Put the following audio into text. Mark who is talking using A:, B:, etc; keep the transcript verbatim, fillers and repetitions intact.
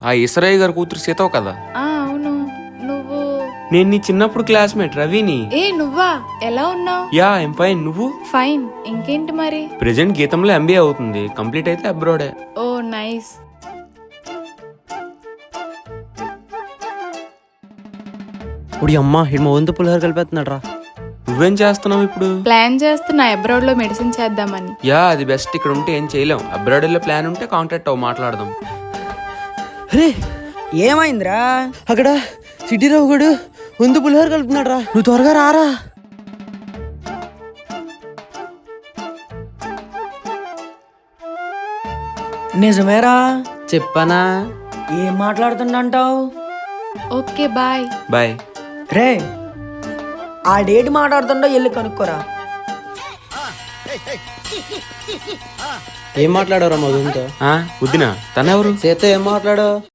A: ఆ ఇసరయ్య గారి కూతురు సీతవు కదా?
B: ఆ అవును. నువ్వు?
A: నేను నీ చిన్నప్పుడు క్లాస్మేట్ రవిని.
B: ఏ నువ్వా? ఎలా ఉన్నావు?
A: Yeah I'm fine. నువ్వు?
B: ఫైన్. ఇంకేంటి మరి?
A: ప్రెజెంట్ గీతంలో ఎంబీఏ అవుతుంది, కంప్లీట్ అయితే అబ్రాడే.
B: ఓ నైస్.
C: ఇప్పుడు అమ్మ ఇడు మా వంతు పులిహోర కలిపేస్తున్నాడు రా.
A: నువ్వేం చేస్తున్నావు ఇప్పుడు?
B: ప్లాన్ చేస్తున్నా అబ్రాడ్ లో మెడిసిన్ చేద్దామని.
A: యా అది బెస్ట్. ఇక్కడ ఉంటే ఏం చేయలేం. అబ్రాడ్ వెళ్ళే ప్లాన్ ఉంటే కాంటాక్ట్ అవ్వ, మాట్లాడదాం.
C: అరే
D: ఏమైందిరా?
C: అక్కడ సిటీ రావు గడు వంతు పులిహోర కలుపుతున్నాడు రా, నువ్వు త్వరగా రారా.
D: నిజమేరా?
C: చెప్పనా?
D: ఏం మాట్లాడుతుండంటావు?
B: Okay bye.
A: బాయ్.
D: రే ఆ డేట్ మాట్లాడుతుండో వెళ్ళి కనుక్కోరా.
C: ఏం మాట్లాడారా మా వంతో?
A: వద్దినా తనెవరు?
C: చేత ఏం మాట్లాడావు?